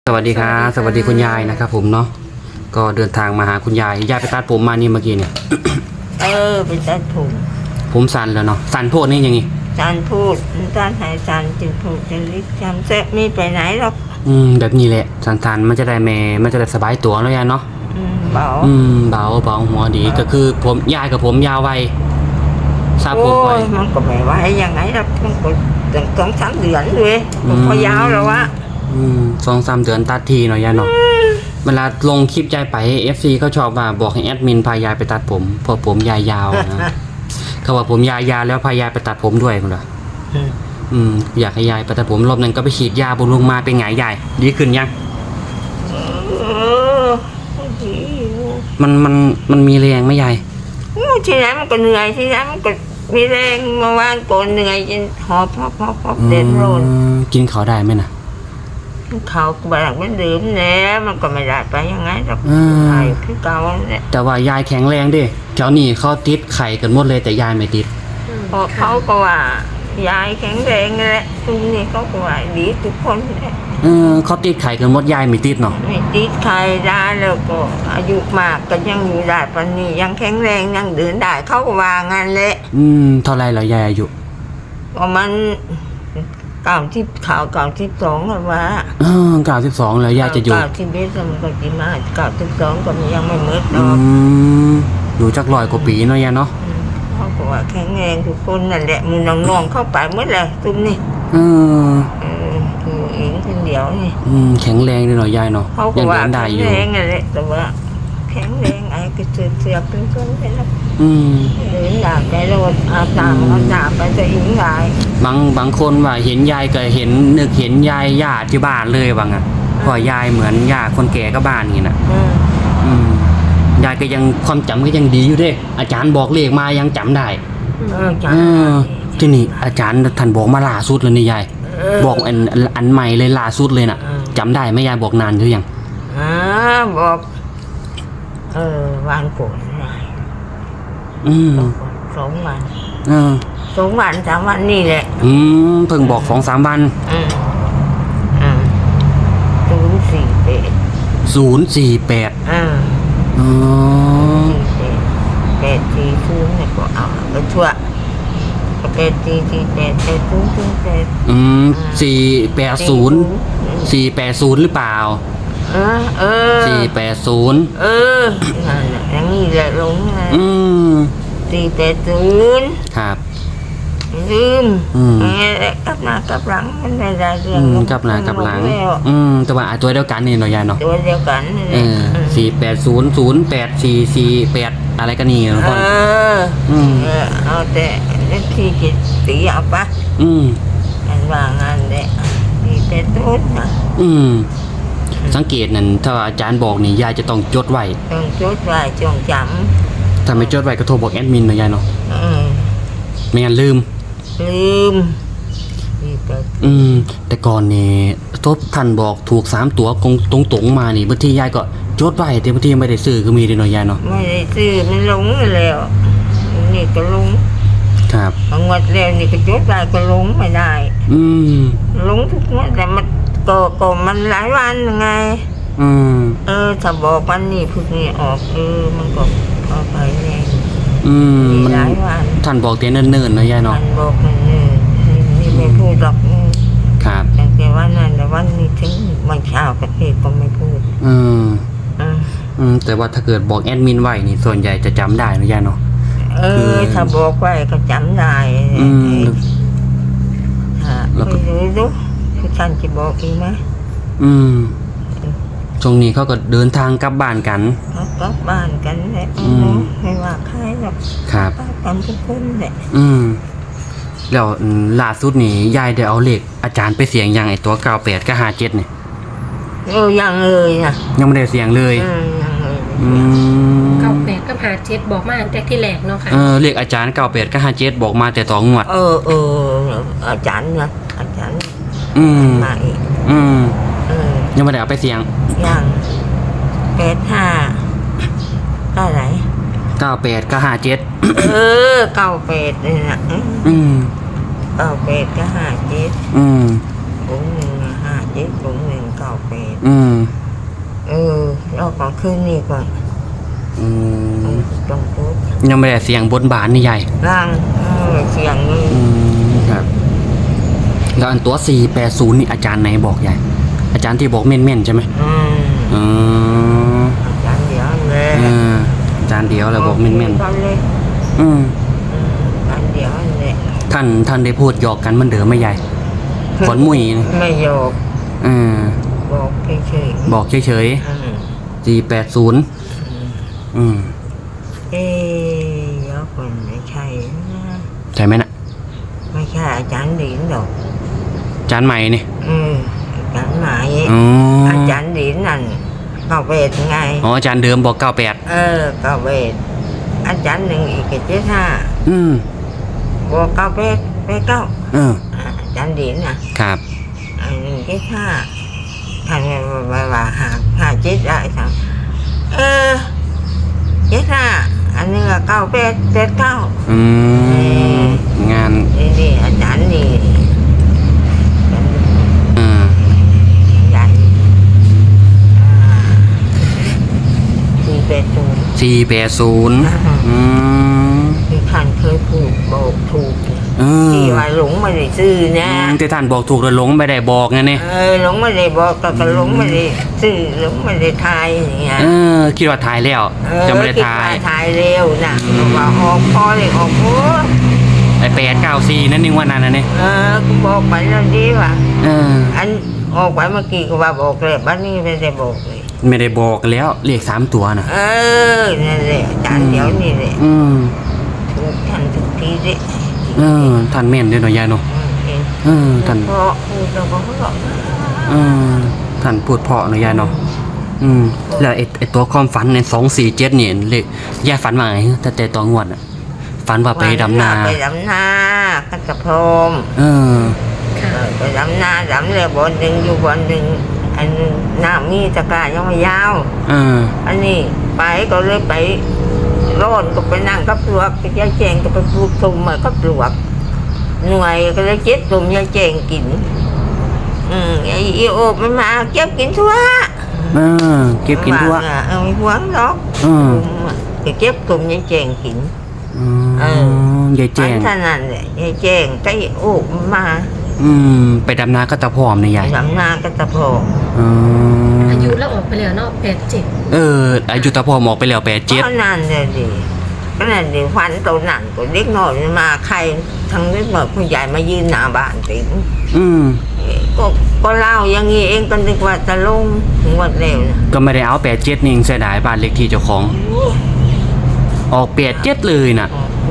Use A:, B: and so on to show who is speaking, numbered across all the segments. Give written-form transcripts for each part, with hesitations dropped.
A: สวัสดีครับสวัสดีคุณยายนะครับผมเนาะก็เดินทางมาหาคุณยายไปตัดผมมานี่เมื่อกี้เนี่ย
B: ไปตัด
A: ผมสั้นแล้วเนาะสั้นโพดนี่ยังไง
B: สั้นพูดสั้นหายสั้นจึงพูดจะลิกจำแซ่ไม่ไปไหนหรอก
A: แบบนี้แหละสั้นมันจะได้มันจะได้สบายตัวแล้วยายเนาะ
B: เบา
A: เบาหัวดีก็คือผมยายกับผมยาวไวทราบผมไว
B: มันก็ไม่ไหวยังไงหรอกมันก็ต้อง2-3 เดือนเลยพอยาวแล้ววะ
A: 2-3 เดือนตัดทีหน่อยยายเนาะเวลาลงคลิปยายไป FC เขาชอบว่าบอกให้แอดมินพายายไปตัดผมเพราะผมยายยาวนะเขาว่าผมยาวแล้วพายายไปตัดผมด้วยคุณล่ะอยากให้ยายไปตัดผมรอบนึงก็ไปฉีดยาบำรุงมาเป็นไงยายดีขึ้นยังมันมีแรงไหมยาย
B: ทีนั้นมันก็เหนื่อยทีนั้นมันก็มีแรงเมื่อวานก่อนเหนื่อยจนหอบเดินโรน
A: กินเขาได้ไหมนะ
B: เขาแบบมันดื่มแล้วมันก็ไม่ได้ไปยังไงหรอกไข่คือเก่าเนี่ย
A: แต่ว่ายายแข็งแรงดิเจ้านี่เขาติดไข่กันหมดเลยแต่ยายไม่ติด
B: เพราะเขาก็ว่ายายแข็งแรงแหละตรงนี้เขาก็ว่าดีทุกคนเลย
A: เขาติดไข่กันหมดยายไม่ติดเนาะ
B: ไม่ติดไข่ได้แล้วก็อายุมากก็ยังอยู่ได้ปานนี้ยังแข็งแรงยังเดินได้เขาก็ว่างั้นแหละ
A: เท่าไรเหรอยายอายุ
B: ประมาณ92แล้วว่า
A: 92แล้วยายจะอยู่
B: 91มันก็สิมา92ก็ยังไม่หมดดอก
A: อยู่จัก100 กว่าปีเนาะยายเนาะ
B: เขาก็ว่าแข็งแรงทุกคนนั่นแหละมือน้องๆเข้าไปหมดเลยตุ้มนี่เองคนเดียวนี่
A: แข็งแรงเลยหน่อยยายเนาะ
B: ยังเดินได้อยู่แข็งแรงนั่นแหละแต่ว่าแข็งแรงไอ้ก็เสียเป็นคนไปแล้วเดินได้ไปแล้วอาบน้ำไปจะอิงได้
A: บางคนว่าเห็นยายก็เห็นนึกเห็นยายย่าที่บ้านเลยบางอ่ะพอยายเหมือนย่าคนแก่ก็บ้านนี่นะยายก็ยังความจำก็ยังดีอยู่ด้วยอาจารย์บอกเลขมายังจำได้ที่นี่อาจารย์ท่านบอกมาล่าสุดเลยนี่ยายบอกอันใหม่เลยล่าสุดเลยน่ะจำได้ไหมยายบอกนานหรือยัง
B: บอกวันก่อน2 วัน2 วัน3 วันนี่แหละ
A: เพิ่งบอก2-3 วัน048
B: 840เนี่ยก็เอาไปทั่ว
A: 480หรือเปล่า480
B: อย่างนี้แหละลง480
A: ครับ
B: ลืมกลับหน้ากลับหลังมันไม่ได้เรื่อง
A: กลับหน้ากลับหลังแต่ว่าตัวเดียวกันนี่หน่อยยายเนาะ
B: ตัวเดียวกัน
A: 480084448อะไรกันนี่คน
B: เอาแต่ที่กิจตีเอาปะอันว่างานเนี่ย480นะ
A: สังเกตนั่นถ้าอาจารย์บอกนี่ยายจะต้องจดไว้
B: จงจ
A: ำถ้าไม่จดไว้ก็โทรบอกแอดมินนะยายเนาะไม่งั้นลืมแต่ก่อนนี่ทบท่านบอกถูก3 ตัวตรงมานี่บางทียายก็จดไว้แต่บางทีไม่ได้ซื้อก็มีด้วยเนาะยายเนาะ
B: ไม่ได้ซื้อมันหลงแล้วนี่ก็หลง
A: ครับ
B: งวดแล้วนี่ก็จดไว้ก็หลงไม่ได้หลงทุกงวดแต่มันก็มันหลายวันไงถ้าบอกวันนี้พรุ่งนี้ออกมันก็เอาไปแน่
A: มันหลายวันท่านบอกเตี้ยเนิ่นๆนะยายเนาะ
B: ท่านบอกเนิ่นนี่ไม่พูดหรอก
A: ครับ
B: แต่วันนั้นแต่วันนี้ถึงวันเช้ากับเพจก็ไม่พูด
A: แต่ว่าถ้าเกิดบอกแอดมินไว้นี่ส่วนใหญ่จะจำได้นะยายเนาะ
B: ถ้าบอกไว้ก็จำได้แล้วก็รู้คือท่านจะบอกอีกไหม
A: ช่วงนี้เขาก็เดินทางกลับบ้านกัน
B: กลับบ้านกันแหละไม่ว่าใครหรอก
A: ครับ
B: กันทุกคนแหละ
A: แล้วล่าสุดนี่ยายได้เอาเลขอาจารย์ไปเสียงยังไอตัว98กับ57เนี่ย
B: ยังเลยนะ
A: ยังไม่ได้เสียงเลย
C: 98กับ57บอกมาแต่ที่แรกเนาะค่ะ
A: เลขอาจารย์98กับ57บอกมาแต่ต่องวด
B: อาจารย์นะอาจารย์มาอีก
A: ยังไม่ได้เอาไปเสียง
B: ยัง85ก็ไหน
A: 98กับ57
B: 98เลยนะ98กับ57ผม157ผม198 98
A: อืม
B: แล้วก็คืนนี้ก่อน
A: อืม
B: ต้องพูด
A: ยังไม่ได้เสียงบนบานนี่ใหญ่
B: ร่างเสียงนี่
A: อืมครับแล้วอันตัว480นี่อาจารย์ไหนบอกใหญ่อาจารย์ที่บอกเม่นๆใช่ไหม อืม
B: อาจารย์เดียวเลย
A: อาจารย์เดียวแล้วบอกเม่น
B: กันเลย
A: ๆอืม
B: อาจารย์เดียวเลย
A: ท่านได้พูดหยอกกันเหมันเดิมไหมใหญ่ขอนมุยนะ
B: ไม่โยก
A: อืม
B: บอกเฉย
A: บอกเฉย
B: ๆ
A: ๆ480อืม
B: แล้วคนไม่ใช่นะ
A: ใช่ไหมน่ะ
B: ไม่ใช่อาจารย์ดินหรอก
A: อาจารย์ใหม่นี่
B: อาจารย์ไหน
A: อ๋อ
B: อาจารย์ดินนั่นก็เวทไง
A: อ๋ออาจารย์เดิมบอก98
B: ก็เวทอาจารย์หนึ่งอีก75
A: อืม
B: บอกเก้าเวทเก้า อาจารย์ดินนะครับ อันหนึ่ง75ท่านว่าหาเจ็ดได้ครับ75อันนี้ก็เก้าเวทเก้า
A: อืมงาน
B: นี่อาจารย์นี่
A: อืม
B: อาจารย์480
A: 480อืม
B: ที่ท่านเคยพูดบอกถูก
A: เออ
B: ที่ว่าหลงไม่ได้ซื้อนะ
A: ที่ท่านบอกถูกแล้วหลงไม่ได้บอกไงเนี่ย
B: หลงไม่ได้บอกก็หลงไม่ได้ซื้อหลงไม่ได้ทายอย่างเงี้ย
A: คิดว่าถ่ายแล้วจะไม่ได้ถ่าย
B: คิว่ทายเร็วนะว่าออกพอเลยออกโอ้
A: ไอ้894นั่นนึงว่านั่นนะเนี่ย
B: กูบอกไปแล้วดีว่ะ
A: เออ
B: อันออกไปเมื่อกี้ก็ว่าบอกเลยบ้านนี้ไม่ได้บอกเลย
A: ไม่ได้บอกแล้วเลข3ตัวน่ะ
B: นั่นแหละอาจารย์เดี๋ยวนี่แหละ
A: อืม
B: ถูกท่านทุกทีดิ
A: ท่านแม่นด้วยหน่อยยายเนาะ ท่าน
B: เพราะพูดเราก็เพราะ
A: ท่านพูดเพราะหน่อยยายเนาะแล้วไอ้ตัวความฝันใน247เนี่ยเลขยายฝันว่าไงแต่ตอนงวดอ่ะฝันว่าไปดำนา
B: ไปดำนากันกระพรม
C: ค่ะ
B: ไปดำนาดำเลยบนหนึ่งอยู่บนหนึ่งอันหน้ามีตะกร้ายังไม่ยาว อันนี้ไปก็เลยไปร่อนก็ไปนั่งกับปลวกไปยายแจงก็ไปปลูกตุ่มมากับปลวกหน่วยก็เลยเจ็ดตุ่มยายแจงกินไอ้อีโอบมันมาเก็บกินทั่ว
A: เก็บกินทั่ว
B: ไม่หวงหรอกก็เก็บตุ่มยายแจงกิน
A: ยายแจ้ง
B: ท่านั้นแหละยายแจงก็โอบมันมา
A: ไปดำนาก็ตะพร้อมเนี่ยยาย
B: ดำนาก็ตะโพก
C: อายุแล้วออกไปแล้วเนาะ87
A: อายุตะพร้อมออกไปแล้ว
B: เพราะนั่นเลยดิก็นั่นดิฟันตัวหนังก็เล็กน้อยมาใครทั้งเล็กน้อยผู้ใหญ่มายืนหน้าบ้านติ๋งก็เล่าอย่างงี้เองก็นึกว่าจะลงงวดเร็วนะ
A: ก็ไม่ได้เอา87นี่เสียดายบ้านเล็กที่เจ้าของ ออก87เลยน่ะ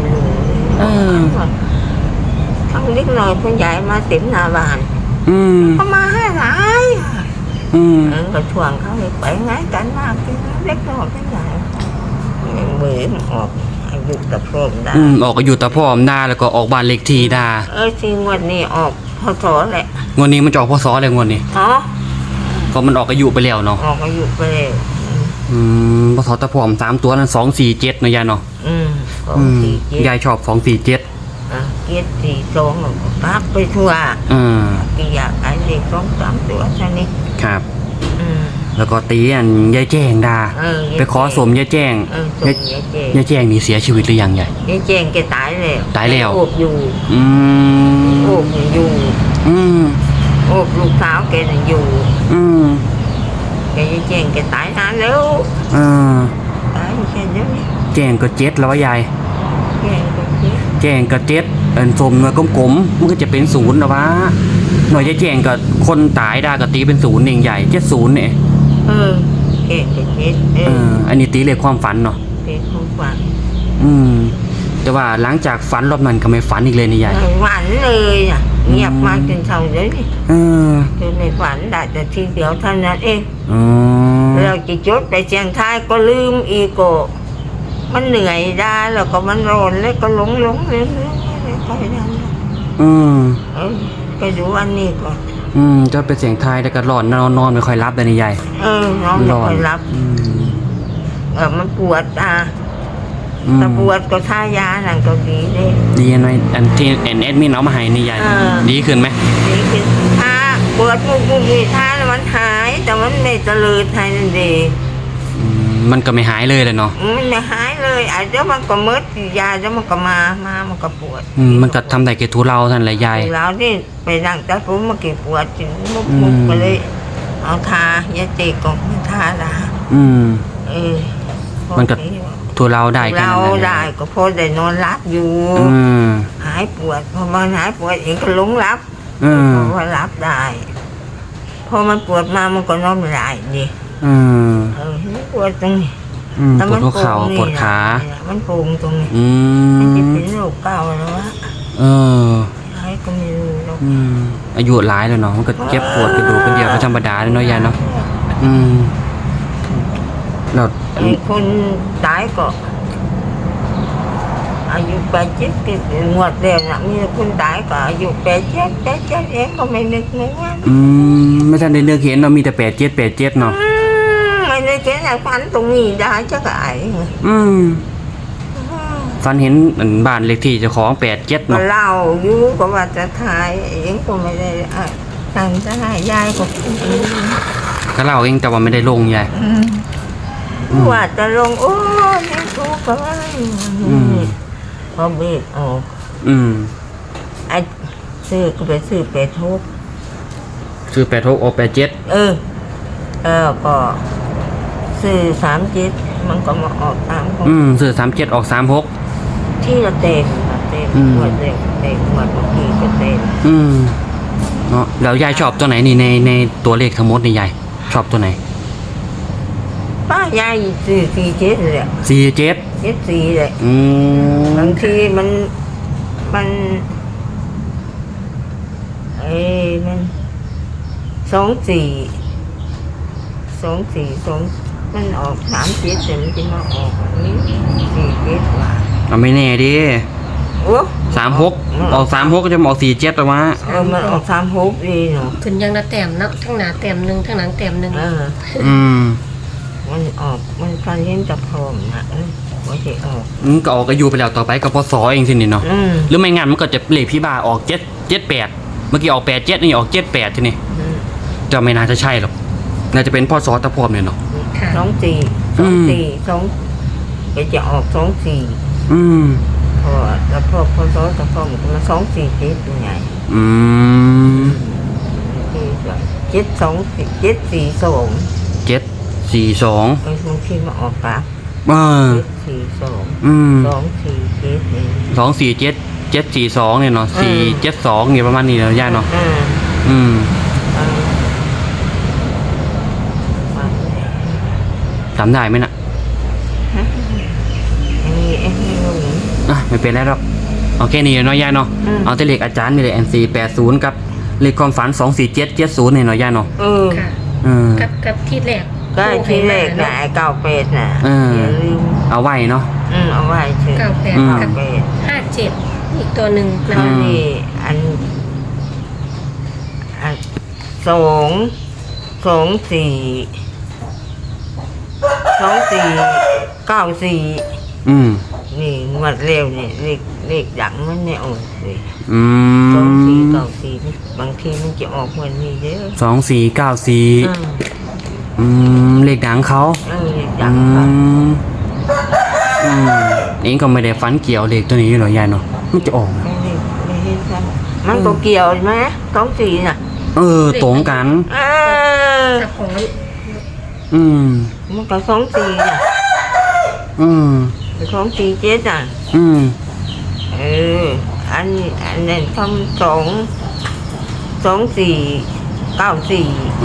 B: ทั้งเล็กน้อยผู้ใหญ่มาติ๋มหน้าบ้านเขามาให้หลายก็ชวนเขาไปไงกันมากกินเล็กน้อยผู้ใหญ่มือออกอายุตะโพกได้
A: ออกอายุตะพร้อมได้แล้วก็ออกบ้านเล็กที่ได้
B: จริงวันนี้ออกพศแหละ
A: งวดนี้มันจะออกพศอะไรงวดนี้ ก็มันออกอายุไปแล้วเนาะ
B: ออกอายุไปแล้ว
A: พศตะพร้อม3ตัวนั้น247เนาะยายเนาะ
B: ของสี่เจ็ด
A: ยายชอบ247
B: เกียรติสี่สองพักไปทั่วกี่อยากไอ้เด็ก2-3ตัวแค่นี้
A: ครับ แล้วก็ตีอันยายแจ้งดาไปขอสมยายแจ้ง
B: ส่งยายแจง
A: ยายแจ้งนี่เสียชีวิตหรือยังยาย
B: ยายแจงแกตายแล้ว
A: ตายแล้ว
B: โอบอยู่ โอบอยู่โอบลูกสาวแกน่ะอยู่แกยายแจงแกตายนานแล้วตายแค่นี้
A: แจ้งก็7แล้ววะยาย
B: แจงก็เจ็บ
A: แจ้งก็7อันสมหน่วยกลมๆมันก็จะเป็น0นะวะหน่วยยายแจ้งก็คนตายดาก็ตีเป็น0เองใหญ่70เนี่ย
B: แกก็เจ็บ
A: อันนี้ตีเลขความฝันเนาะ
B: เป็นของฝัน
A: แต่ว่าหลังจากฝันรอบนั้นก็ไม่ฝันอีกเลยนี่ยาย
B: หวานเลยอ่ะเงียบมาจนเช้าเลยนี่จนไม่ฝันได้แต่ทีเดียวเท่านั้นเองเราจะจดไปเชียงท้ายก็ลืมอีกก็มันเหนื่อยได้แล้วก็มันร้อนแล้วก็หลงเลยก็ได้ไปดูอันนี้ก่อน
A: จะเป็นเสียงไทายแต่ก็ร้อนนอนไม่ค่อยรับเลยนี่ยาย
B: นอนไม่ค่อยรับมันปวดแต่ปวดก็ทายานั่นก็ดีเลย
A: ดีหน่อยอันที่แอดมินเอามาให้นี่ยายดีขึ้นไหม
B: ดีขึ้นถ้าปวดวดมุกมีท่าแล้วมันหายแต่มันไม่เจริญหายนั่นเอง
A: มันก็ไม่หายเลยเลยเนาะ
B: มันไม่หายเลยอาจจะมันก็มืดยาจะมันก็มามันก็ปวด
A: มันก็ทำได้แค่ทุเราท่านแหละยาย
B: แล้วนี่ไปนั่งตัดผมมาเก็บปวดจนมุกไปเลยเอาทายาเจกองทาละ
A: มันก็ทุเราได้กัน
B: เราได้ก็พอได้นอนรับอยู่หายปวดพอมันหายปวดเองก็หลงรับเพราะว่ารับได้พอมันปวดมามันก็นอนไม่ได้ดิปวดตรงนี้
A: ปวดหัวเข่าปวดขา
B: มันโป่งตรงนี้มันจะเป็นโรคเก่าแล้ววะใครก็ไม่รู้หรอก
A: อายุหลายแล้วเนาะมันก็เจ็บปวดกระดูกกระเดี่ยวก็ธรรมดาเลยเนาะยายเนาะเรา
B: คนตายก็อายุ87ก็งวดเดียวนะมีคนตายก็อายุ87เองก็ไม่นึกนึกว่า
A: ไม่ทันได้เลือกเห็นเรามีแต่87เนาะ
B: ไม่ได้เห็นอะไรฝันตรงนี้ได้จะไก่
A: ฝันเห็นบ้านเลขที่เจ้าของ87เนาะ
B: เล่าอยู่ก็ว่าจะถ่ายเองก็ไม่ได้ตั้งจะให้ยาย
A: ก็เล่าเองแต่ว่าไม่ได้ลงยาย
B: ว่าจะลงโอ้ยทุกข์ก็ว่าพอเบรกออกไอ้ซื้อก็ไปซื้อ86
A: ซื้อ86ออก87
B: ก็ซื้อ37มันก็มาออก36
A: ซื้อ37ออก36
B: ที่เราเต็มหมดเลยเต็มหมดเมื่อกี้ก็เต็ม
A: เนาะแล้วยายชอบตัวไหนนี่ในตัวเลขทั้งหมดนี่ยายชอบตัวไหน
B: ป้ายายซื้อ47เลย74เลยบางทีมันมัน24มันออก37แต่มันจะมาออกนี้47ว่า
A: ไม่แน่ดิ
B: โอ้
A: 36ออก36ก็จะออก47แต่ว่า
B: มันออก36ดีเนาะ
C: ขึ้นยังละแต้มนับทั้งหน้าแต้มนึงทั้งหลังแต้มนึง
B: มันออกมันการเล่นกับพร้อมนะว่าจะออก
A: ก็ออกอายุไปแล้วต่อไปกับพศเองสินี่เนาะหรือไม่งั้นมันก็จะเลขพี่บาออก78เมื่อกี้ออก87นี่ออก78ทีนี่จะไม่น่าจะใช่หรอกน่าจะเป็นพศตะพร้อมเนี่ยเนาะ
B: 24ก็จะออก24พอแล้วพศตะพร้อมก็มา24เป็นไง
A: 742
B: บางทีมาออกปาก
A: 742เนี่ยเนาะ472เนี่ยประมาณนี้เนาะย่าเนาะจำได้ไหมน่ะไม่เป็นไรหรอกโอเคนี่เนาะย่าเนาะเอาแต่เลขอาจารย์นี่เลย NC80กับเลขความฝัน24770เนี่ยเนาะย่าเนาะ
C: กับที่แรก
B: ก็ที่แรกน่ะ98น่ะอย่าลืม
A: เอาไว้เนาะ
B: เอาไว้เฉย
C: 58อีกตัวหนึ่ง
B: แล้วนี่อัน2494นี่งวดเร็วนี่เลขดังมันไม่ออกเลย2494บางทีมันจะออกวันนี้เด้
A: อ2494เลขดังเขา
B: เลขดังเขา
A: นี่ก็ไม่ได้ฝันเกี่ยวเลขตัวนี้หรอยายเนาะมันจะออก
B: ไม่เห็นครับมันก็เกี่ยวไหม24น่ะ
A: ตรงกัน
B: มันก็24น่ะ247อ่ะอันนั้นคำ2494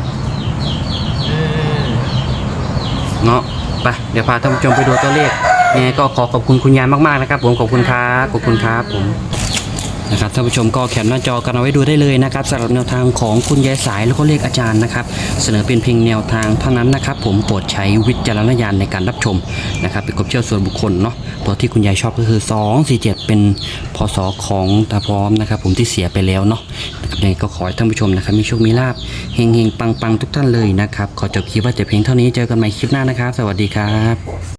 A: เนาะไปเดี๋ยวพาท่านผู้ชมไปดูตัวเลขยังไงก็ขอบคุณคุณยายมากๆนะครับผมขอบคุณครับผมนะครับท่านผู้ชมก็แคปหน้าจอกันเอาไว้ดูได้เลยนะครับสำหรับแนวทางของคุณยายสายแล้วก็เลขอาจารย์นะครับเสนอเป็นเพียงแนวทางเท่านั้นนะครับผมโปรดใช้วิจารณญาณในการรับชมนะครับเป็นความเชื่อส่วนบุคคลเนาะตัวที่คุณยายชอบก็คือ247เป็นพศของตาพร้อมนะครับผมที่เสียไปแล้วเนาะนะครับยังไงก็ขอให้ท่านผู้ชมนะครับมีโชคมีลาภเฮงๆปังๆทุกท่านเลยนะครับขอจบคลิปว่าจะเพียงเท่านี้เจอกันใหม่คลิปหน้านะครับสวัสดีครับ